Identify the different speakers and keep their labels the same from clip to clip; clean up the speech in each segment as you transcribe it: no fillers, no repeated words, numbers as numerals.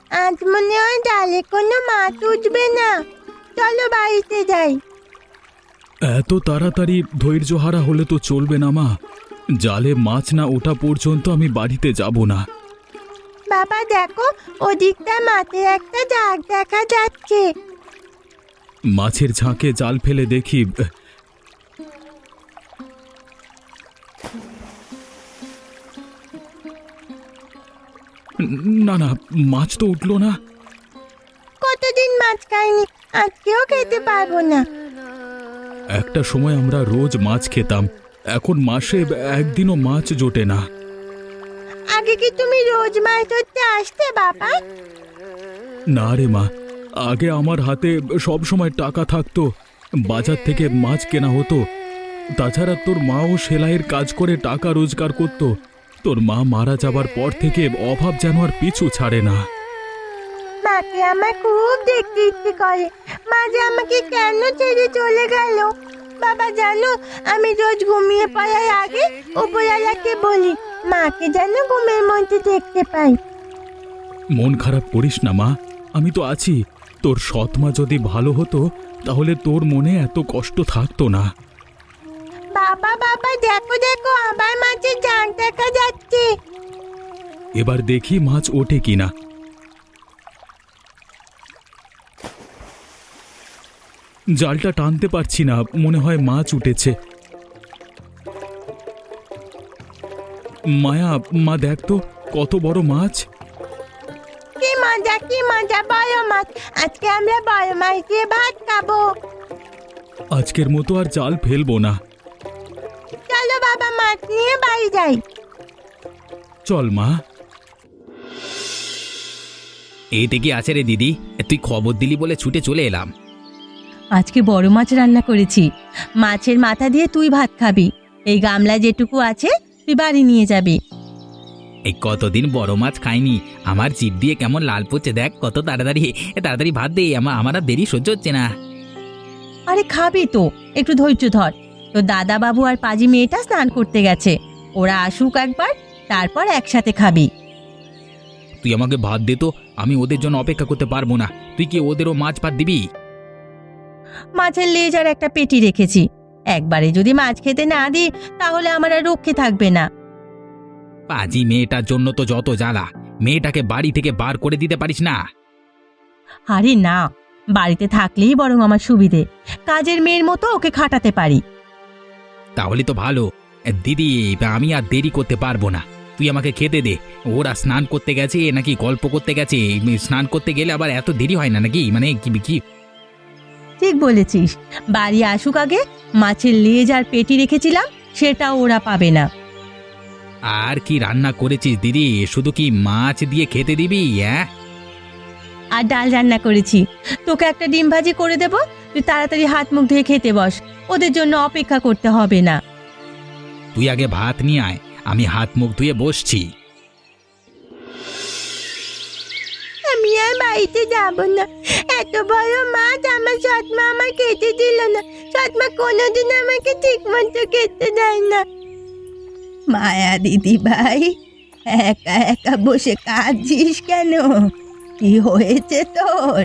Speaker 1: আজ মনে হয় জালে কোনো মাছ উঠবে না। চলো বাড়িতে যাই।
Speaker 2: এত তাড়াতাড়ি ধৈর্যহারা হলে তো চলবে না মা। জালে মাছ না ওঠা পর্যন্ত আমি বাড়িতে যাব না।
Speaker 1: বাবা দেখো, ওদিকটা মাঠে একটা ঝাঁক দেখা যাচ্ছে।
Speaker 2: মাছের ঝাঁকে জাল ফেলে দেখি। না না, মাছ তো উঠলো না।
Speaker 1: কতদিন মাছ খাইনি, আজকেও খেতে পারবো না।
Speaker 2: একটা সময় আমরা রোজ মাছ খেতাম, এখন মাসে একদিনও মাছ জোটে না।
Speaker 1: আগে কি তুমি রোজ মাছ ধরতে আসতে বাবা?
Speaker 2: না রে মা, আগে আমার হাতে সব সময় টাকা থাকতো, বাজার থেকে মাছ কেনা হতো। তাছাড়া তোর মাও সেলাইয়ের কাজ করে টাকা রোজগার করত। তোর মা মারা যাবার পর থেকে অভাব যেন আর পিছু ছাড়ে না।
Speaker 1: মাকে আমার খুব দেখতে ইচ্ছে করে। মা যে আমাকে কেন ছেড়ে চলে গেল। বাবা জানো, আমি রোজ ঘুমিয়ে পড়ার আগে উপরওয়ালাকে বলি মাকে যেন ঘুমের মধ্যে দেখতে পাই।
Speaker 2: মন খারাপ করিস না মা, আমি তো আছি। তোর সৎ মা যদি ভালো হতো তাহলে তোর মনে এত কষ্ট থাকতো না।
Speaker 1: বাবা বাবা দেখো দেখো, আবার মাছের ঝাঁক দেখা যাচ্ছে।
Speaker 2: এবার দেখি মাছ ওঠে কিনা। জালটা টানতে পারছি না, মনে হয় মাছ উঠেছে। মায়া, মা দেখ তো কত বড় মাছ।
Speaker 1: কি মজা কি মজা, বড় মাছ। আজকে আমরা বড় মাছ দিয়ে ভাত খাবো।
Speaker 2: আজকের মতো আর জাল ফেলবো না।
Speaker 1: চলো বাবা, মাছ নিয়ে বাড়ি যাই।
Speaker 2: চল মা।
Speaker 3: এইটা কি আছে রে দিদি? তুই খবর দিলি বলে ছুটে চলে এলাম।
Speaker 4: আজকে বড় মাছ রান্না করেছি। মাছের মাথা দিয়ে তুই ভাত খাবি। এই গামলা যেটুকু আছে তুই বাড়ি নিয়ে যাবি।
Speaker 3: এই কতদিন বড় মাছ খাইনি, আমার জিভ দিয়ে কেমন লাল পড়ছে দেখ। কত তাড়াতাড়ি তাড়াতাড়ি ভাত দে, আমার আর দেরি সহ্য হচ্ছে না।
Speaker 4: আরে খাবি তো, একটু ধৈর্য ধর। তো দাদা বাবু আর পাজি মেয়েটা স্নান করতে গেছে, ওরা আসুক একবার, তারপর একসাথে খাবি।
Speaker 3: তুই আমাকে ভাত দে তো, আমি ওদের জন্য অপেক্ষা করতে পারবো না। তুই কি ওদেরও মাছ ভাত দিবি?
Speaker 4: মাছের লেজ আর একটা পেটি রেখেছি, একবারে যদি মাছ খেতে না দিই তাহলে আমার আর রক্ষে থাকবে না।
Speaker 3: পাজি মেয়েটার জন্য তো যত জ্বালা, মেয়েটাকে বাড়ি থেকে বার করে দিতে পারিস না?
Speaker 4: আরে না, বাড়িতে থাকলেই বরং আমার সুবিধে, কাজের মেয়ের মতো ওকে খাটাতে পারি।
Speaker 3: তাহলে তো ভালো। দিদি, আমি আর দেরি করতে পারবো না, তুই আমাকে খেতে দে। ওরা স্নান করতে গেছে নাকি গল্প করতে গেছে? স্নান করতে গেলে আবার এত দেরি হয় না নাকি? মানে কি?
Speaker 4: ঠিক বলেছিস, বাড়ি আসুক আগে। মাছের লেজ আর পেটি রেখেছিলাম, সেটাও ওরা পাবে না।
Speaker 3: আর কি রান্না করেছিস দিদি? শুধু কি মাছ দিয়ে খেতে দিবি? হ্যাঁ,
Speaker 4: আর ডাল রান্না করেছি, তোকে একটা ডিম ভাজি করে দেব। তুই তাড়াতাড়ি হাত মুখ ধুয়ে খেতে বস, ওদের জন্য অপেক্ষা করতে হবে না।
Speaker 3: তুই আগে ভাত নিয়ে আয়, আমি হাত মুখ ধুয়ে বসছি।
Speaker 1: আমি আর বাড়িতে যাবো না। এত বড় মাছ আমার সৎমা আমার খেতে দিল না। সৎমা কোনোদিন আমাকে ঠিক মতো খেতে দেয় না।
Speaker 4: মায়া দিদি ভাই, একা একা বসে কাঁদছিস কেন? কি হয়েছে তোর?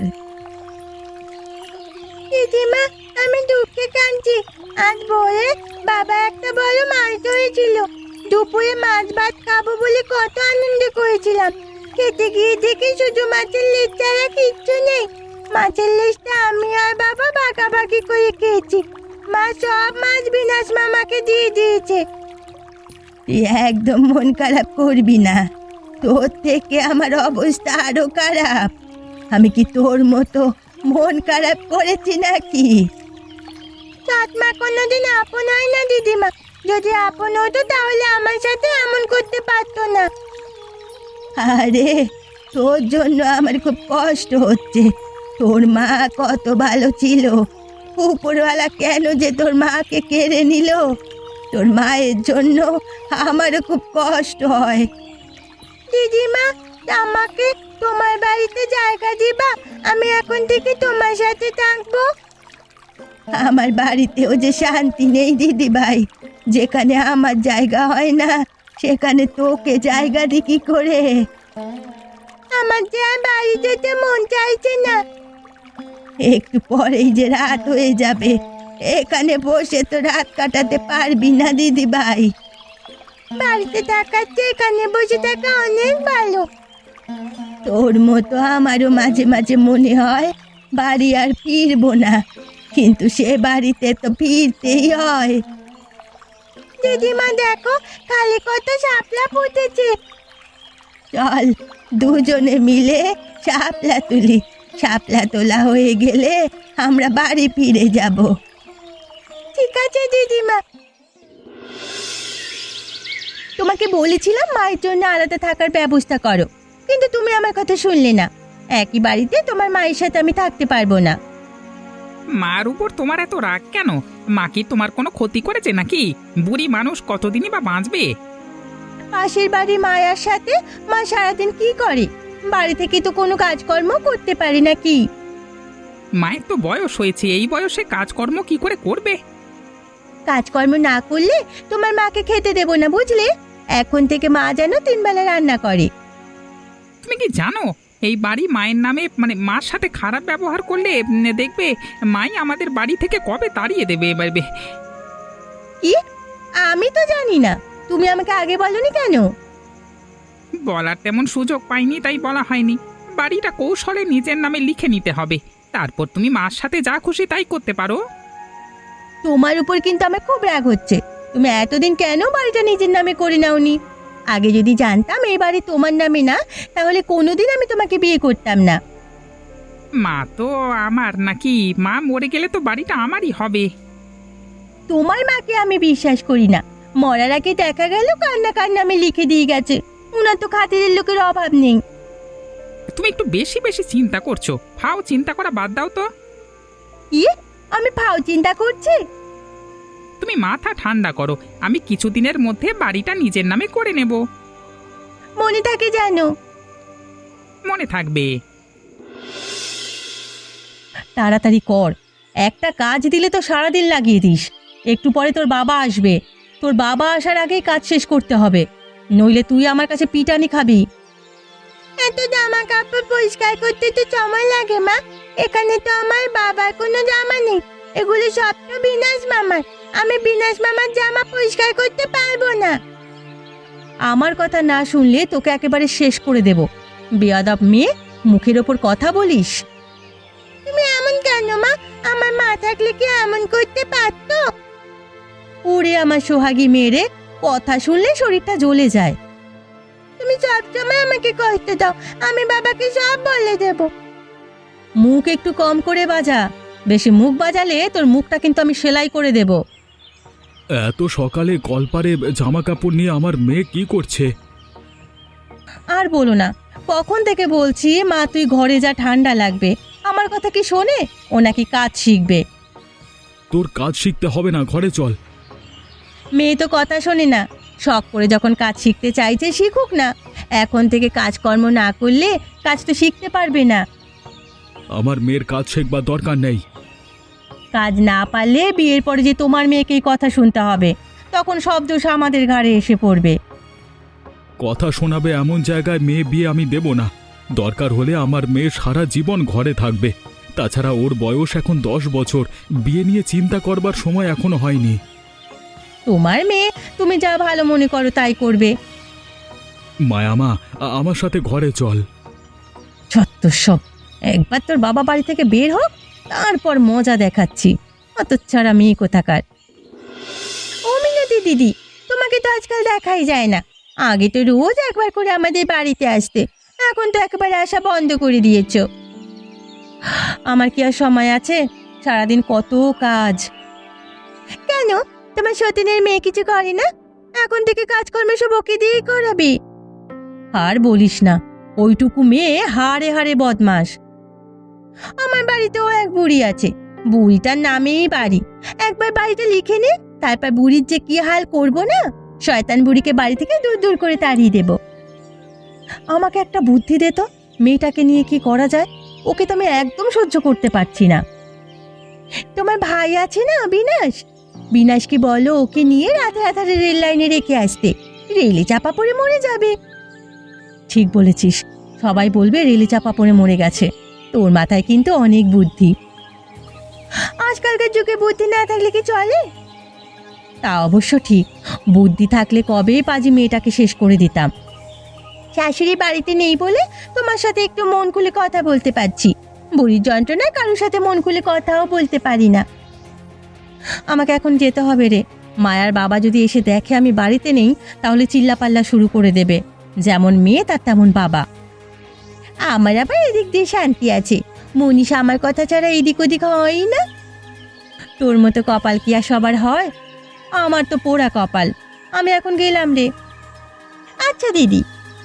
Speaker 1: দিদিমা, আমি দুঃখে কাঁদছি। আজ ভোরে বাবা একটা বড় মাছ ধরেছিল। দুপুরে মাছ ভাত খাবো বলে কত আনন্দ করেছিলাম। খেতে গিয়ে দেখি শুধু মাছের লেজ ছাড়া কিচ্ছু নেই। মাছের লেজটা আমি আর বাবা ভাগাভাগি করে খেয়েছি। মা সব মাছ বিনাশ মামাকে দিয়ে দিয়েছে।
Speaker 4: তুই একদম মন খারাপ করবি না, তোর থেকে আমার অবস্থা আরো খারাপ। আমি কি তোর মতো মন খারাপ করেছি নাকি?
Speaker 1: সৎমা কোনোদিন আপন হয় না দিদিমা। যদি আপন হতো তাহলে আমার সাথে এমন করতে পারতো না।
Speaker 4: আরে, তোর জন্য আমার খুব কষ্ট হচ্ছে। তোর মা কত ভালো ছিল, উপরওয়ালা কেন যে তোর মাকে কেড়ে নিল? তোর মায়ের জন্য আমারও খুব কষ্ট হয়।
Speaker 1: দিদিমা, আমাকে তোমার বাড়িতে জায়গা দিবা? আমি এখন থেকে তোমার সাথে থাকবো।
Speaker 4: আমার বাড়িতেও যে শান্তি নেই দিদি ভাই। যেখানে আমার জায়গা হয় না সেখানে তোকে জায়গা দি কি করে?
Speaker 1: আমার যে আর বাড়ি যেতে মন চাইছে না।
Speaker 4: একটু পরেই যে রাত হয়ে যাবে, এখানে বসে তো রাত কাটাতে পারবি না দিদি ভাই।
Speaker 1: বাড়িতে থাকার চেয়ে এখানে বসে থাকা অনেক ভালো।
Speaker 4: তোর মতো আমারও মাঝে মাঝে মনে হয় বাড়ি আর ফিরবো না, কিন্তু সে বাড়িতে তো ফিরতেই হয়।
Speaker 1: দিদিমা দেখো, খালি কত শাপলা ফুটেছে।
Speaker 4: চল দুজনে মিলে শাপলা তুলি, শাপলা তোলা হয়ে গেলে আমরা বাড়ি ফিরে যাব।
Speaker 1: ঠিক আছে দিদিমা।
Speaker 4: তোমাকে বলেছিলাম মায়ের জন্য আলাদা থাকার ব্যবস্থা করো, কিন্তু তুমি আমার কথা শুনলে না। একই বাড়িতে তোমার মায়ের সাথে আমি থাকতে পারবো না।
Speaker 5: মার উপর তোমার এত রাগ কেন? মা কি তোমার কোনো ক্ষতি করেছে নাকি? বুড়ি মানুষ কতদিনই বা বাঁচবে?
Speaker 4: পাশের বাড়ি মায়ার সাথে মা সারাদিন কি করে? বাড়ি থেকে তো কোনো কাজকর্ম করতে পারি না কি?
Speaker 5: মায়ের তো বয়স হয়েছে, এই বয়সে কাজকর্ম কি করে করবে?
Speaker 4: কাজকর্ম না করলে তোমার মাকে খেতে দেবো না, বুঝলে? এখন থেকে মা যেন 3 বেলা রান্না করে।
Speaker 5: তুমি কি জানো এই বাড়ি মায়ের নামে, মানে মার সাথে খারাপ ব্যবহার করলে দেখবে মাই আমাদের বাড়ি থেকে কবে তাড়িয়ে দেবে এবার।
Speaker 4: কি? আমি তো জানি না, তুমি আমাকে আগে বলনি কেন?
Speaker 5: বলার তেমন সুযোগ পাইনি তাই বলা হয়নি। বাড়িটা কৌশলে নিজের নামে লিখে নিতে হবে, তারপর তুমি মার সাথে যা খুশি তাই করতে পারো।
Speaker 4: তোমার উপর কিন্তু আমার খুব রাগ হচ্ছে। তুমি এতদিন কেন বাড়িটা নিজের নামে করে নাওনি? আগে যদি জানতাম এই বাড়ি তোমার নামে না, তাহলে কোনোদিন আমি তোমাকে বিয়ে করতাম না।
Speaker 5: মা তো আমার নাকি? মা মরে গেলে তো বাড়িটা আমারই হবে।
Speaker 4: তোমার মাকে আমি বিশ্বাস করি না। মরার আগে দেখা গেল কান্না কার নামে লিখে দিয়ে গেছে। উনার তো খাতিরের লোকের অভাব নেই।
Speaker 5: তুমি একটু বেশি বেশি চিন্তা করছো, ফাও চিন্তা করা বাদ দাও তো।
Speaker 4: কি? আমি ফাও চিন্তা করছি?
Speaker 5: তুমি মাথা ঠান্ডা করো, আমি কিছুদিনের মধ্যে বাড়িটা নিজের নামে করে নেব।
Speaker 4: মনে থাকে জানো?
Speaker 5: মনে থাকবে।
Speaker 4: তাড়াতাড়ি কর, একটা কাজ দিলে তো সারাদিন লাগিয়ে দিস। একটু পরে তোর বাবা আসবে, তোর বাবা আসার আগেই কাজ শেষ করতে হবে, নইলে তুই আমার কাছে পিটানি খাবি।
Speaker 1: এত জামা কাপড় পরিষ্কার করতে তো সময় লাগে মা। এখানে তো আমার বাবার কোনো জামা নেই, এগুলো সব তো বিনাশ মামার। আমি বিনাশ মামার জামা পরিষ্কার করতে পারবো না।
Speaker 4: আমার কথা না শুনলে তোকে একেবারে শেষ করে দেব। বেয়াদব মেয়ে, মুখের ওপর কথা বলিস।
Speaker 1: তুমি এমন কেন মা? আমার মা থাকলে কি এমন করতে পারতো?
Speaker 4: ওরে আমার সোহাগী মেয়েরে, কথা শুনলে শরীরটা জ্বলে যায়।
Speaker 1: তুমি সবসময় আমাকে কষ্ট দাও, আমি বাবাকে সব বলে দেব।
Speaker 4: মুখ একটু কম করে বাজা, বেশি মুখ বাজালে তোর মুখটা কিন্তু আমি সেলাই করে দেব।
Speaker 2: এত সকালে কলপারে জামা কাপড় নিয়ে আমার মেয়ে কি করছে?
Speaker 4: আর বলো না, কখন থেকে বলছি মা তুই ঘরে যা, ঠান্ডা লাগবে। আমার কথা কি শোনে? ও নাকি কাজ শিখবে।
Speaker 2: তোর কাজ শিখতে হবে না, ঘরে চল।
Speaker 4: মেয়ে তো কথা শোনে না। শখ করে যখন কাজ শিখতে চাইছে শিখুক না। এখন থেকে কাজকর্ম না করলে কাজ তো শিখতে পারবে না।
Speaker 2: আমার মেয়ের কাজ শেখবার দরকার নেই।
Speaker 4: কাজ না পারলে বিয়ের পরে যে তোমার মেয়েকেই কথা শুনতে হবে, তখন সব দোষ আমাদের ঘাড়ে এসে পড়বে।
Speaker 2: কথা শোনাবে এমন জায়গায় মেয়ে বিয়ে আমি দেব না। দরকার হলে আমার মেয়ে সারা জীবন ঘরে থাকবে। তাছাড়া ওর বয়স এখন 10 বছর, বিয়ে নিয়ে চিন্তা করবার সময় এখনো হয়নি।
Speaker 4: তোমার মেয়ে, তুমি যা ভালো মনে করো তাই করবে।
Speaker 2: মায়ামা, আমার সাথে ঘরে চল।
Speaker 4: সব একবার তোর বাবা বাড়ি থেকে বের হোক, তারপর মজা দেখাচ্ছি। অত ছাড়া মেয়ে কোথাকার। ও মিনতি দিদি, তোমাকে তো আজকাল দেখাই যায় না। আগে তো রোজ একবার করে আমাদের বাড়িতে আসতে, এখন তো একেবারে আসা বন্ধ করে দিয়েছো। আমার কি আর সময় আছে? সারাদিন কত কাজ।
Speaker 1: কেন, তোমার সতীনের মেয়ে কিছু করে না? এখন থেকে কাজকর্ম সব ওকে দিয়েই করাবি।
Speaker 4: আর বলিস না, ওইটুকু মেয়ে হাড়ে হাড়ে বদমাস।
Speaker 1: আমার বাড়িতেও এক বুড়ি আছে,
Speaker 4: বুড়িটার নামেই বাড়ি। একবার বাড়িটা লিখে নে, তারপর বুড়ির যে কি হাল করব না। শয়তান বুড়িকে বাড়ি থেকে দূর দূর করে তাড়িয়ে দেব। আমাকে একটা বুদ্ধি দে তো, মেয়েটাকে নিয়ে কি করা যায়? ওকে তো আমি একদম সহ্য করতে পারছি না।
Speaker 1: তোমার ভাই আছে না বিনাশ,
Speaker 4: বিনাশকে বলো ওকে নিয়ে রাতে রাতে রেল লাইনে রেখে আসতে। রেলে চাপা পড়ে মরে যাবে। ঠিক বলেছিস, সবাই বলবে রেলে চাপা পড়ে মরে গেছে। তোর মাথায় কিন্তু অনেক বুদ্ধি।
Speaker 1: আজকালকার যুগে বুদ্ধি না থাকলে কি চলে?
Speaker 4: তা অবশ্য ঠিক, বুদ্ধি থাকলে কবেই পাজি মেয়েটাকে শেষ করে দিতাম।
Speaker 1: শাশুড়ি বাড়িতে নেই বলে তোমার সাথে একটু মন খুলে কথা বলতে পারছি। বুড়ির যন্ত্রণায় কারোর সাথে মন খুলে কথাও বলতে পারি না।
Speaker 4: আমাকে এখন যেতে হবে রে। মায়ার বাবা যদি এসে দেখে আমি বাড়িতে নেই তাহলে চিল্লাপাল্লা শুরু করে দেবে। যেমন মেয়ে তার তেমন বাবা।
Speaker 1: আমার আবার এদিক দিয়ে শান্তি আছে। মনীষা আমার কথা ছাড়া এদিক ওদিক হয়ই না।
Speaker 4: তোর মতো কপাল কি আর সবার হয়? আমার তো পোড়া কপাল। আমি এখন গেলাম রে।
Speaker 1: আচ্ছা দিদি।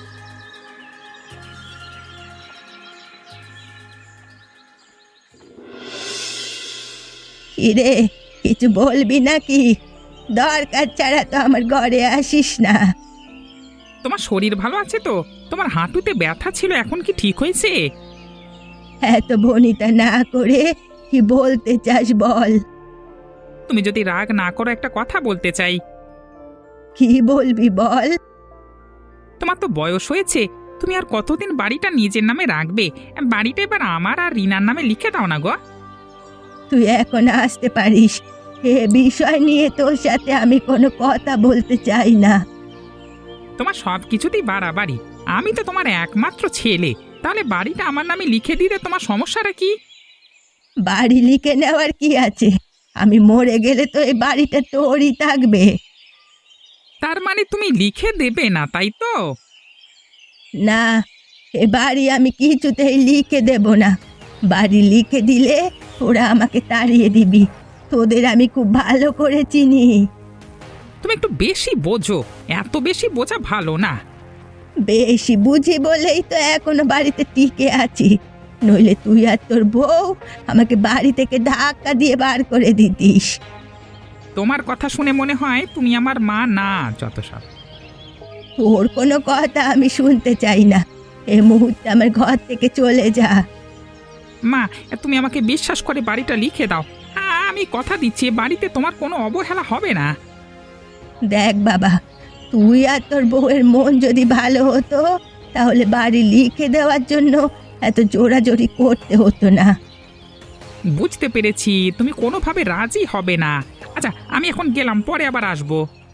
Speaker 4: কিরে, কিছু বলবি নাকি? দরকার ছাড়া তো আমার ঘরে আসিস না।
Speaker 5: তোমার শরীর ভালো আছে তো? তোমার হাঁটুতে ব্যথা ছিল, এখন কি ঠিক হয়েছে?
Speaker 4: এত বনিতা না করে কি বলতে চাস বল।
Speaker 5: তুমি যদি রাগ না করো, একটা কথা বলতে চাই।
Speaker 4: কি বলবি বল।
Speaker 5: তোমার তো বয়স হয়েছে, তুমি আর কতদিন বাড়িটা নিজের নামে রাখবে? বাড়িটা এবার আমার আর রিনার নামে লিখে দাও না গো।
Speaker 4: তুই এখন আসতে পারিস। এ বিষয় নিয়ে তোর সাথে আমি কোনো কথা বলতে চাই না।
Speaker 5: তোমার সব কিছুতেই বাড়াবাড়ি। আমি তো তোমার একমাত্র ছেলে, তাহলে বাড়িটা আমার নামে লিখে দিলে তোমার সমস্যাটা কি?
Speaker 4: বাড়ি লিখে নেওয়ার কি আছে? আমি মরে গেলে তো এই বাড়িটা তোরই থাকবে।
Speaker 5: তার মানে তুমি লিখে দেবে না, তাই তো?
Speaker 4: না, এ বাড়ি আমি কিছুতেই লিখে দেব না। বাড়ি লিখে দিলে ওরা আমাকে তাড়িয়ে দিবি। তোদের আমি খুব ভালো করে চিনি।
Speaker 5: তুমি একটু বেশি বোঝো, এত বেশি বোঝা ভালো না।
Speaker 4: বেশি বুঝি বলেই তো এখনো বাড়িতে টিকে আছি। নইলে তুই আর তোর বউ আমাকে বাড়ি থেকে ধাক্কা দিয়ে বার করে দিতিস।
Speaker 5: তোমার কথা শুনে মনে হয় তুমি আমার মা না, যত সব।
Speaker 4: তোর কোনো কথা আমি শুনতে চাই না। এই মুহূর্তে আমার ঘর থেকে চলে যা।
Speaker 5: মা, তুমি আমাকে বিশ্বাস করে বাড়িটা লিখে দাও। আমি কথা দিচ্ছি, এ বাড়িতে তোমার কোনো অবহেলা হবে না।
Speaker 4: দেখ বাবা, তুই আর তোর বউয়ের মন যদি ভালো হতো তাহলে বাড়ি লিখে দেওয়ার জন্য এত জোরাজোরি করতে হতো না।
Speaker 5: বুঝতে পেরেছি, তুমি কোনোভাবে রাজি হবে না। আচ্ছা, আমি এখন গেলাম, পরে আবার আসবো।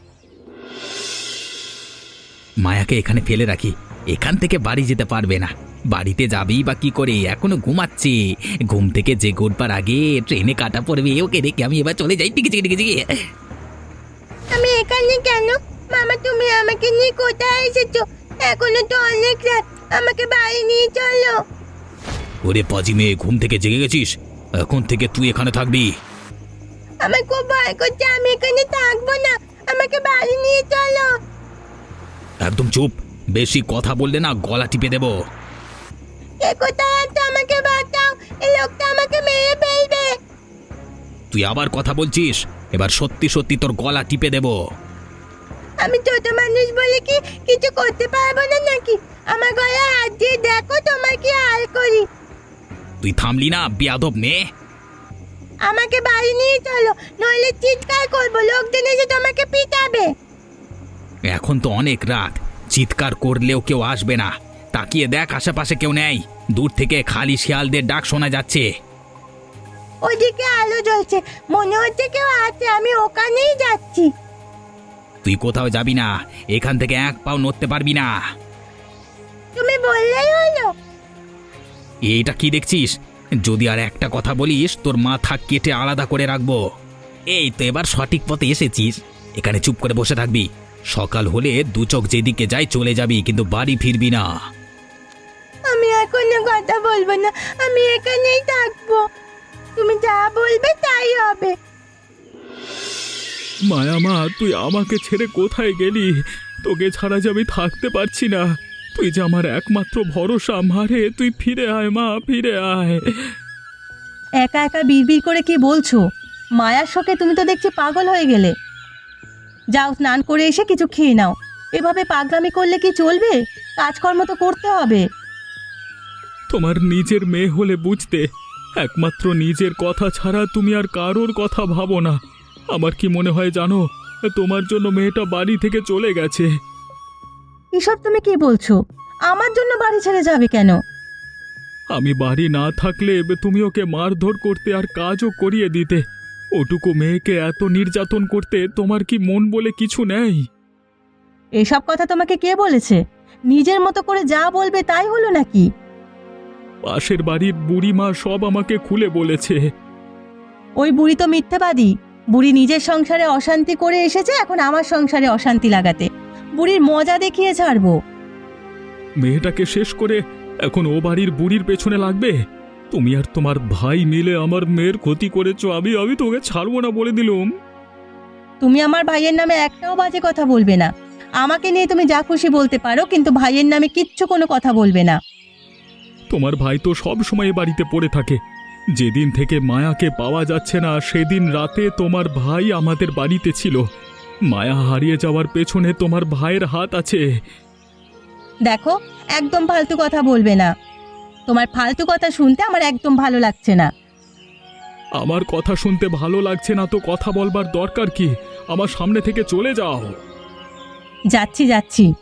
Speaker 3: মায়াকে এখানে ফেলে রাখি, এখান থেকে বাড়ি যেতে পারবে না। বাড়িতে যাবেই বা কি করে? এখনো ঘুমাচ্ছে। ঘুম থেকে যে গোটবার আগে ট্রেনে কাটা পড়বে, ওকে রেখে আমি এবার চলে যাই। টিকে টিকে টিকে।
Speaker 1: আমি এখানে কেন? মামা, তুমি আমাকে নিয়ে কোথায় এসেছো? এখনো তো অনেক রাত, আমাকে বাড়ি নিয়ে চলো।
Speaker 3: ওরে পাজি মেয়ে, ঘুম থেকে জেগে গেছিস? এখন থেকে তুই এখানে থাকবি।
Speaker 1: আমার খুব ভয় করছে, আমি এখানে থাকবো না। আমাকে বাড়ি নিয়ে চলো।
Speaker 3: একদম চুপ, বেশি কথা বললে না গলা টিপে দেব।
Speaker 1: এ কোথায় আছে? আমাকে বাঁচাও, এই লোকটা আমাকে মেরে ফেলবে।
Speaker 3: তুই আবার কথা বলছিস? এবার সত্যি সত্যি তোর গলা টিপে দেব।
Speaker 1: আমি ছোট মানুষ বলে কি কিছু করতে পারবো না নাকি? আমার গলায় হাত দিয়ে দেখো তোমার কি হাল করি।
Speaker 3: তুই থামলি না বেয়াদব মেয়ে?
Speaker 1: আমাকে বাড়ি নিয়ে চলো, নইলে চিৎকার করবো, লোকজন এসে তোমাকে পিটাবে।
Speaker 3: এখন তো অনেক রাত, চিৎকার করলেও কেউ আসবে না। তাকিয়ে দেখ, আশেপাশে কেউ নেই। দূর থেকে খালি শিয়ালদের ডাক শোনা যাচ্ছে।
Speaker 1: ওদিকে আলো জ্বলছে, মনে হচ্ছে কেউ আছে। আমি ওখানেই যাচ্ছি।
Speaker 3: তুই কোথাও যাবি না, এখান থেকে এক পাও নড়তে পারবি না।
Speaker 1: তুমি বললেই হলো।
Speaker 3: এইটা কি দেখছিস? যদি আর একটা কথা বলিস তোর মাথা কেটে আলাদা করে রাখবো। এই তো এবার সঠিক পথে এসেছিস। এখানে চুপ করে বসে থাকবি। সকাল হলে দু চোখ যেদিকে যাই চলে যাবি, কিন্তু বাড়ি ফিরবি না।
Speaker 1: আমি আর কোনো কথা বলবো না, আমি এখানেই থাকবো। তুমি যা বলবে তাই হবে।
Speaker 2: মায়া মা, তুই আমাকে ছেড়ে কোথায় গেলি? তোকে ছাড়া যে আমি থাকতে পারছি না। তুই যে আমার একমাত্র ভরসা। মারে, তুই ফিরে আয় মা, ফিরে আয়।
Speaker 4: একা একা বিড়বিড় করে কি বলছো? মায়ার শোকে তুমি তো দেখছি পাগল হয়ে গেলে। যাও, স্নান করে এসে কিছু খেয়ে নাও। এভাবে পাগলামি করলে কি চলবে? কাজকর্ম তো করতে হবে।
Speaker 2: তোমার নিজের মেয়ে হলে বুঝতে। একমাত্র নিজের কথা ছাড়া তুমি আর কারোর কথা ভাবো না। আমার কি মনে হয় জানো, তোমার জন্য মেয়েটা বাড়ি থেকে চলে গেছে।
Speaker 4: এসব তুমি কি বলছো? আমার জন্য বাড়ি ছেড়ে যাবে কেন?
Speaker 2: আমি বাড়ি না থাকলে তুমি ওকে মারধর করতে আর কাজও করিয়ে দিতে। ওটুকু মেয়েকে এত নির্যাতন করতে তোমার কি মন বলে কিছু নেই?
Speaker 4: এসব কথা তোমাকে কে বলেছে? নিজের মতো করে যা বলবে তাই হলো নাকি?
Speaker 2: পাশের বাড়ির বুড়িমা সব আমাকে খুলে বলেছে।
Speaker 4: ওই বুড়ি তো মিথ্যেবাদী। বুড়ি নিজের সংসারে অশান্তি করে এসেছে এখন আমার সংসারে অশান্তি লাগাতে। বুড়ির মজা দেখিয়ে ছাড়বো।
Speaker 2: মেয়েটাকে শেষ করে এখন ও বাড়ির বুড়ির পেছনে লাগবে? তুমি আর তোমার ভাই মিলে আমার মেয়ের ক্ষতি করেছো। আমি তোকে ছাড়বো না বলে দিলুম।
Speaker 4: তুমি আমার ভাইয়ের নামে একটাও বাজে কথা বলবে না। আমাকে নিয়ে তুমি যা খুশি বলতে পারো, কিন্তু ভাইয়ের নামে কিচ্ছু কোনো কথা বলবে না।
Speaker 2: তোমার ভাই তো সব সময় বাড়িতে পড়ে থাকে। যেদিন থেকে মায়াকে পাওয়া যাচ্ছে না সেদিন রাতে তোমার ভাই আমাদের বাড়িতে ছিল। মায়া হারিয়ে যাওয়ার পেছনে তোমার ভাইয়ের হাত আছে।
Speaker 4: দেখো, একদম ফালতু কথা বলবে না। তোমার ফালতু কথা শুনতে আমার একদম ভালো লাগছে না।
Speaker 2: আমার কথা শুনতে ভালো লাগছে না তো কথা বলবার দরকার কি? আমার সামনে থেকে চলে যাও।
Speaker 4: যাচ্ছি।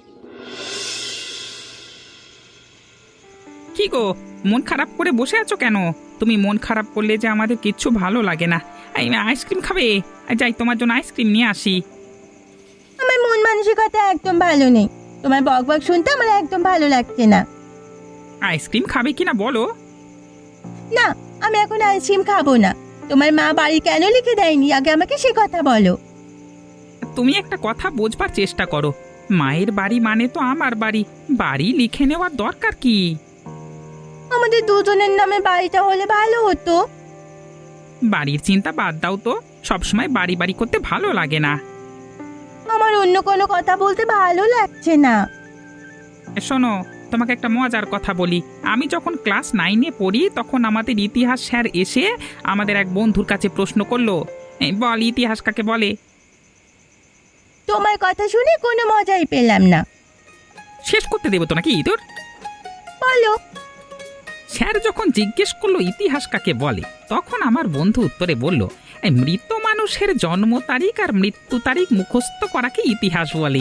Speaker 5: কি গো, মন খারাপ করে বসে আছো কেন? তুমি মন খারাপ করলে যে আমাদের কিচ্ছু ভালো লাগে না। এই আইসক্রিম খাবে? যাই তোমার জন্য আইসক্রিম নিয়ে আসি।
Speaker 4: আমার মন মানসিকতা একদম ভালো নেই। তোমার বকবক শুনতে আমার একদম ভালো লাগছে না।
Speaker 5: আইসক্রিম খাবে কিনা বলো?
Speaker 4: না, আমি এখন আইসক্রিম খাবো না। তোমার মা বাড়ি কেন লিখে দেয়নি আগে আমাকে সে কথা বলো।
Speaker 5: তুমি একটা কথা বোঝবার চেষ্টা করো। মায়ের বাড়ি মানে তো আমার বাড়ি। বাড়ি লিখে নেওয়ার দরকার কি?
Speaker 4: আমাদের দুজনের নামে বাড়িটা হলে ভালো হতো।
Speaker 5: বাড়ির চিন্তা বাদ দাও তো। সবসময় বাড়ি বাড়ি করতে ভালো লাগে না।
Speaker 4: আমার অন্য কোনো কথা বলতে ভালো লাগছে না।
Speaker 5: শোনো, তোমাকে একটা মজার কথা বলি। আমি যখন ক্লাস 9-এ পড়ি তখন আমাদের ইতিহাস স্যার এসে আমাদের এক বন্ধুর কাছে প্রশ্ন করলো, "এই বল, ইতিহাস কাকে বলে?"
Speaker 4: তোমার কথা শুনে কোনো মজাই পেলাম না।
Speaker 5: শেষ করতে দেবো তো নাকি তোর?
Speaker 4: বলো।
Speaker 5: স্যার যখন জিজ্ঞেস করলো ইতিহাস কাকে বলে, তখন আমার বন্ধু উত্তরে বলল, "এই মৃত মানুষের জন্ম তারিখ আর মৃত্যু তারিখ মুখস্থ করাকে ইতিহাস বলে।"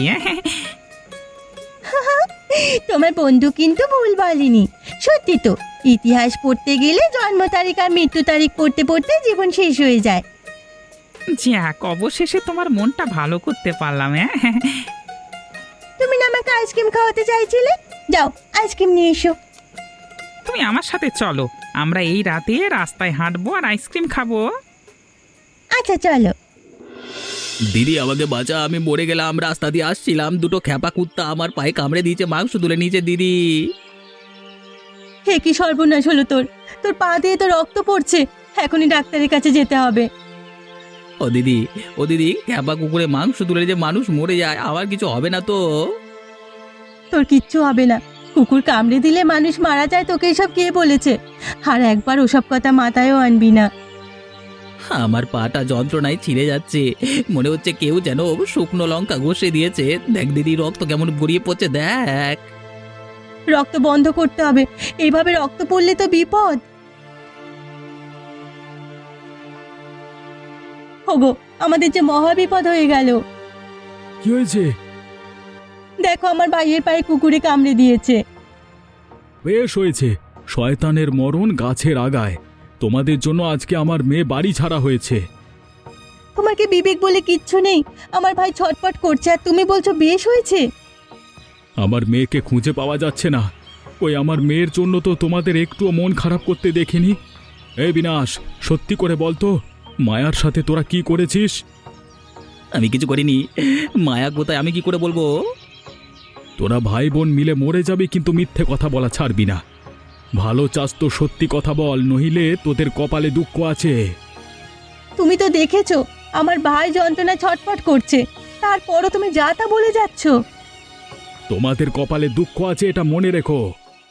Speaker 4: তোমার বন্ধু কিন্তু ভুল বলেনি। সত্যি তো, ইতিহাস পড়তে গেলে জন্ম তারিখ আর মৃত্যু তারিখ পড়তে পড়তে জীবন শেষ হয়ে যায়।
Speaker 5: যাক, অবশেষে তোমার মনটা ভালো করতে পারলাম।
Speaker 4: তুমি না আমাকে আইসক্রিম খাওয়াতে চাইছিলে? যাও, আইসক্রিম নিয়ে এসো।
Speaker 5: তুমি আমার সাথে চলো, আমরা এই রাতে রাস্তায় হাঁটবো আর আইসক্রিম খাবো।
Speaker 4: আচ্ছা, চলো।
Speaker 3: দিদি আমাকে বাঁচা, আমি মরে গেলাম। রাস্তা দিয়ে আসছিলাম, দুটো খ্যাপা কুত্তা আমার পায়ে কামড়ে দিয়েছে, মাংস তুলে নিয়েছে দিদি।
Speaker 4: হে কি সর্বনাশ হলো তোর! তোর পা দিয়ে তো রক্ত পড়ছে। এখনই ডাক্তারের কাছে যেতে হবে।
Speaker 3: ও দিদি, খ্যাপা কুকুরে মাংস তুলে যে মানুষ মরে যায়, আমার কিছু হবে না তো?
Speaker 4: তোর কিচ্ছু হবে না। কুকুর কামড়ে দিলে মানুষ মারা যায়, তোকে এসব কে বলেছে? আর একবার ওসব কথা মাথায়ও আনবি না।
Speaker 3: আমার পাটা যন্ত্রণায় ছিঁড়ে যাচ্ছে, মনে হচ্ছে কেউ যেন শুকনো লঙ্কা ঘষে দিয়েছে। দেখ দিদি, রক্ত কেমন গড়িয়ে পড়ছে, দেখ।
Speaker 4: রক্ত বন্ধ করতে হবে। এইভাবে রক্ত পড়লে তো বিপদ। ওগো, আমাদের যে মহা বিপদ হয়ে গেল।
Speaker 2: কি হয়েছে?
Speaker 4: দেখো, আমার ভাইয়ের পায়ে কুকুরে কামড়ে দিয়েছে।
Speaker 2: বেশ হয়েছে, শয়তানের মরণ গাছের আগায়। তোমাদের জন্য আজকে আমার মেয়ে বাড়ি ছাড়া হয়েছে।
Speaker 4: তোমার কি বিবেক বলে কিচ্ছু নেই? আমার ভাই ছটফট করছে আর তুমি বলছো বেশ হয়েছে।
Speaker 2: আমার মেয়েকে খুঁজে পাওয়া যাচ্ছে না। ওই আমার মেয়ের জন্য তো তোমাদের একটুও মন খারাপ করতে দেখিনি। এই বিনাশ, সত্যি করে বলতো, মায়ার সাথে তোরা কি করেছিস?
Speaker 3: আমি কিছু করিনি। মায়া কোথায়, আমি কি করে বলবো?
Speaker 2: তোরা ভাই বোন মিলে মরে যাবি, কিন্তু মিথ্যে কথা বলা ছাড়বি না। ভালো চাস তো সত্যি কথা বল, নহিলে তোদের কপালে দুঃখ আছে।
Speaker 4: তুমি তো দেখেছো আমার ভাই যন্ত্রণা ছটফট করছে, তারপরও তুমি যা তা বলে যাচ্ছ।
Speaker 2: তোমাদের কপালে দুঃখ আছে, এটা মনে রেখো।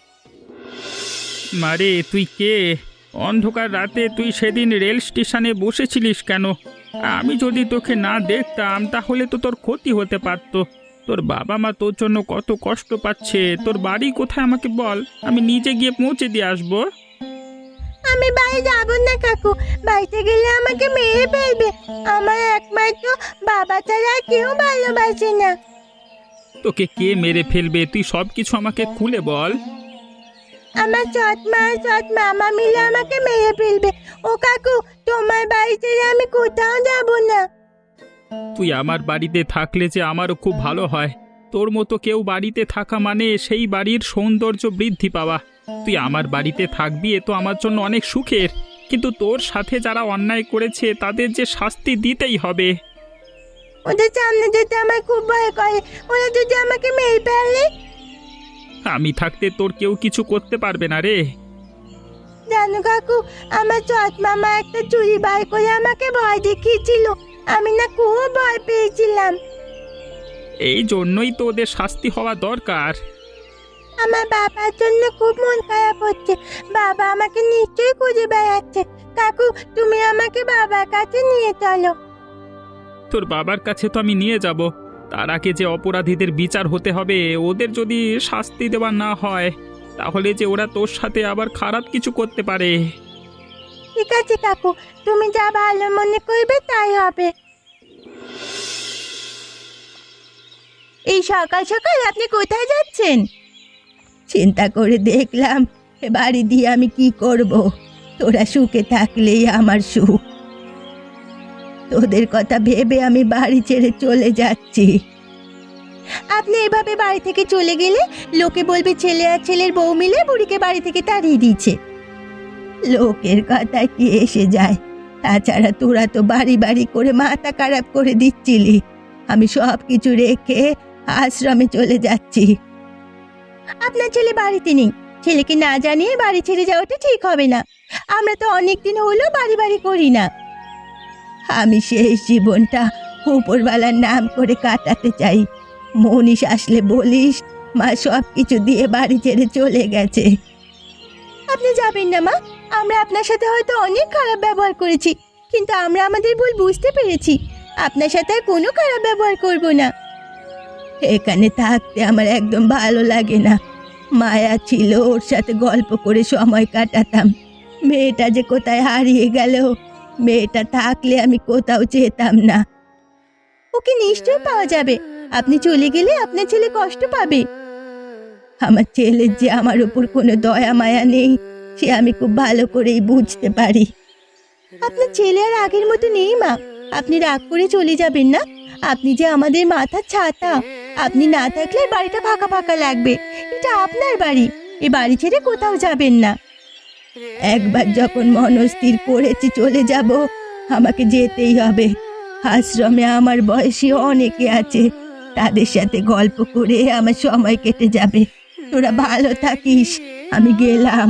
Speaker 5: মারে, তুই কে? অন্ধকার রাতে তুই সেদিন রেল স্টেশনে বসেছিলিস কেন? আমি যদি তোকে না দেখতাম তাহলে তো তোর ক্ষতি হতে পারত। তোর বাবা মা তোর জন্য কত কষ্ট পাচ্ছে। তোর বাড়ি কোথায় আমাকে বল, আমি নিজে গিয়ে পৌঁছে দিয়ে আসবো।
Speaker 1: আমি বাড়ি যাব না কাকু, বাড়িতে গেলে আমাকে মেরে ফেলবে। আমার একমাত্র বাবা ছাড়া আর কেউ ভালোবাসে না।
Speaker 5: তোকে কে মেরে ফেলবে তুই সব কিছু আমাকে খুলে বল।
Speaker 1: আমার সৎ মা সৎ মামা মিলে আমাকে মেরে ফেলবে। ও কাকু, তোমার বাড়ি ছেড়ে আমি কোথাও যাব না।
Speaker 5: তুই আমার বাড়িতে থাকলে যে আমারও খুব ভালো হয়। তোর মতো কেউ বাড়িতে থাকা মানে সেই বাড়ির সৌন্দর্য বৃদ্ধি পাওয়া। তুই আমার বাড়িতে থাকবি এ তো আমার জন্য অনেক সুখের, কিন্তু তোর সাথে যারা অন্যায় করেছে তাদের যে শাস্তি দিতেই হবে।
Speaker 1: ওদের সামনে যেতে আমার খুব ভয় করে। ওরা যদি আমাকে মেরে ফেলে?
Speaker 5: আমি থাকতে তোর কেউ কিছু করতে পারবে না রে।
Speaker 1: জানো কাকু, আমার সৎ মামা একটা চুরি বার করে আমাকে ভয় দেখিয়েছিল। আমি না খুব ভয় পেয়েছিলাম।
Speaker 5: এই জন্যই তো ওদের শাস্তি হওয়া দরকার।
Speaker 1: আমার বাবার জন্য খুব মন খারাপ হচ্ছে। বাবা আমাকে নিশ্চয়ই খুঁজে বেড়াচ্ছে। কাকু, তুমি আমাকে বাবার কাছে নিয়ে চলো।
Speaker 5: তোর বাবার কাছে তো আমি নিয়ে যাব, তার আগে যে অপরাধীদের বিচার হতে হবে। ওদের যদি শাস্তি দেওয়া না হয় তাহলে যে ওরা তোর সাথে আবার খারাপ কিছু করতে পারে।
Speaker 1: ঠিক আছে কাকু, তুমি যা ভালো মনে করবে তাই হবে।
Speaker 4: এই সকাল সকাল আপনি কোথায় যাচ্ছেন? চিন্তা করে দেখলাম এ বাড়ি দিয়ে আমি কি করব। তোরা সুখে থাকলেই আমার সুখ। তোদের কথা ভেবে আমি বাড়ি ছেড়ে চলে যাচ্ছি।
Speaker 1: আপনি এভাবে বাড়ি থেকে চলে গেলে লোকে বলবে ছেলে আর ছেলের বউ মিলে বুড়িকে বাড়ি থেকে তাড়িয়ে দিয়েছে।
Speaker 4: লোকের কথা কি এসে যায়? তাছাড়া তোরা তো বাড়ি বাড়ি করে মাথা খারাপ করে দিচ্ছিলি। আমি সব কিছু রেখে আশ্রমে চলে যাচ্ছি।
Speaker 1: আপনার ছেলে বাড়িতে নেই। ছেলেকে না জানিয়ে বাড়ি ছেড়ে যাওয়াটা ঠিক হবে না। আমরা তো অনেক দিন হলো বাড়ি বাড়ি করি না।
Speaker 4: আমি শেষ জীবনটা উপরওয়ালার নাম করে কাটাতে চাই। মনীষ আসলে বলিস মা সব কিছু দিয়ে বাড়ি ছেড়ে চলে গেছে।
Speaker 1: আপনি যাবেন না মা। আমরা আপনার সাথে হয়তো অনেক খারাপ ব্যবহার করেছি, কিন্তু আমরা আমাদের ভুল বুঝতে পেরেছি। আপনার সাথে আর কোনো খারাপ ব্যবহার করব না।
Speaker 4: এখানে থাকতে আমার একদম ভালো লাগে না। মায়া ছিল, ওর সাথে গল্প করে সময় কাটাতাম। মেয়েটা যে কোথায় হারিয়ে গেল। মেয়েটা থাকলে আমি কোথাও যেতাম না।
Speaker 1: ওকে নিশ্চয়ই পাওয়া যাবে। আপনি চলে গেলে আপনার ছেলে কষ্ট পাবে।
Speaker 4: আমার ছেলের যে আমার উপর কোনো দয়া মায়া নেই সে আমি খুব ভালো করেই বুঝতে পারি।
Speaker 1: আপনার ছেলে আর আগের মতো নেই মা। আপনি রাগ করে চলে যাবেন না। আপনি যে আমাদের মাথার ছাতা। আপনি না থাকলে বাড়িটা ফাঁকা ফাঁকা লাগবে। এটা আপনার বাড়ি। এই বাড়ি ছেড়ে কোথাও যাবেন না।
Speaker 4: একবার যখন মনস্থির করেছি চলে যাব, আমাকে যেতেই হবে। আশ্রমে আমার বয়সী অনেকে আছে, তাদের সাথে গল্প করে আমার সময় কেটে যাবে। তোরা ভালো থাকিস, আমি গেলাম।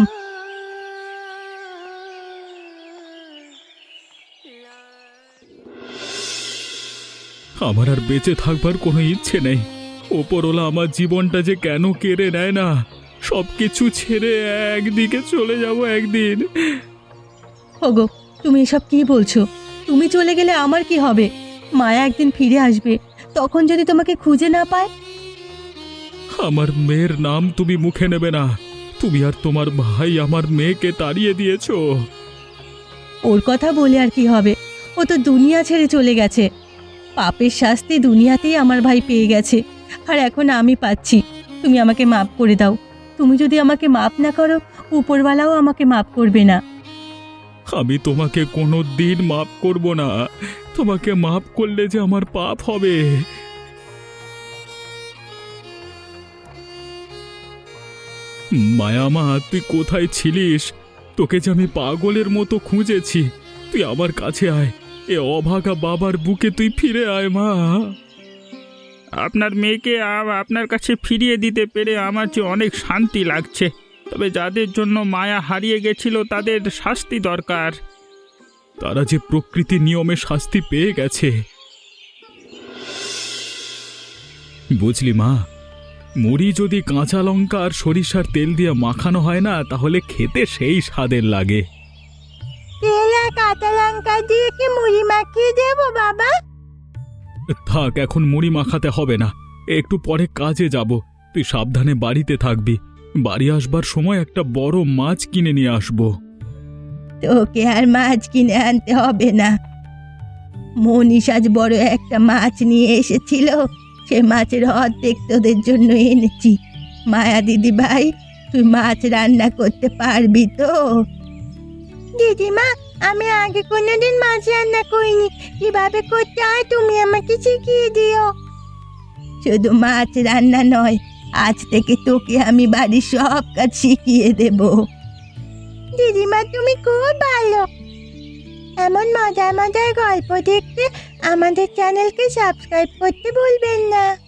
Speaker 2: আমার আর বেঁচে থাকবার কোনো ইচ্ছে নেই। ওপরওয়ালা আমার জীবনটা যে কেন কেড়ে নেয় না। সব কিছু ছেড়ে একদিকে চলে যাব একদিন।
Speaker 4: ওগো, তুমি এসব কি বলছো? তুমি চলে গেলে আমার কি হবে? মায়া একদিন ফিরে আসবে, তখন যদি তোমাকে খুঁজে না পায়।
Speaker 2: আমার মেয়ের নাম তুমি মুখে নেবে না। তুমি আর তোমার ভাই আমার মেয়েকে তাড়িয়ে দিয়েছো।
Speaker 4: ওর কথা বলে আর কি হবে? ও তো দুনিয়া ছেড়ে চলে গেছে। পাপের শাস্তি দুনিয়াতেই আমার ভাই পেয়ে গেছে, আর এখন আমি পাচ্ছি। তুমি আমাকে মাফ করে দাও। তুমি যদি আমাকে মাফ না করো, উপরওয়ালাও আমাকে মাফ করবে না।
Speaker 2: আমি তোমাকে কোনো দিন মাফ করব না। তোমাকে মাফ করলে যে আমার পাপ হবে। মায়ামা, তুই কোথায় ছিলিস? তোকে যে আমি পাগলের মতো খুঁজেছি। তুই আমার কাছে আয়। এ অভাগা বাবার বুকে তুই ফিরে আয় মা।
Speaker 5: আপনার মেয়েকে আপনার কাছে ফিরিয়ে দিতে পেরে আমার যে অনেক শান্তি লাগছে। তবে যাদের জন্য মায়া হারিয়ে গেছিল তাদের শাস্তি দরকার।
Speaker 2: তারা যে প্রকৃতির নিয়মে শাস্তি পেয়ে গেছে। বুঝলি মা, মুড়ি যদি কাঁচা লঙ্কা আর সরিষার তেল দিয়ে মাখানো হয় না, তাহলে খেতে সেই স্বাদের লাগে।
Speaker 1: তেল আর কাঁচা লঙ্কা দিয়ে কি মুড়ি মাখিয়ে দেবো বাবা?
Speaker 2: থাক, এখন মুড়ি মাখাতে হবে না। একটু পরে কাজে যাব। তুই সাবধানে বাড়িতে থাকবি। বাড়ি আসবার সময় একটা বড় মাছ কিনে নিয়ে আসবো।
Speaker 4: তোকে আর মাছ কিনে আনতে হবে না। মনীষ আজ বড় একটা মাছ নিয়ে এসেছিল, সে মাছের অর্ধেক তোদের জন্য এনেছি। মায়া দিদি ভাই, তুই মাছ রান্না করতে পারবি তো?
Speaker 1: দিদিমা, আমি আগে কোনোদিন মাছ রান্না করিনি, কিভাবে করতে হয় তুমি আমাকে শিখিয়ে দিও।
Speaker 4: শুধু মাছ রান্না নয়, আজ থেকে তোকে আমি বাড়ির সব কাজ শিখিয়ে দেব।
Speaker 1: দিদিমা, তুমি খুব ভালো। এমন মজার মজার গল্প দেখতে আমাদের চ্যানেলকে সাবস্ক্রাইব করতে ভুলবেন না।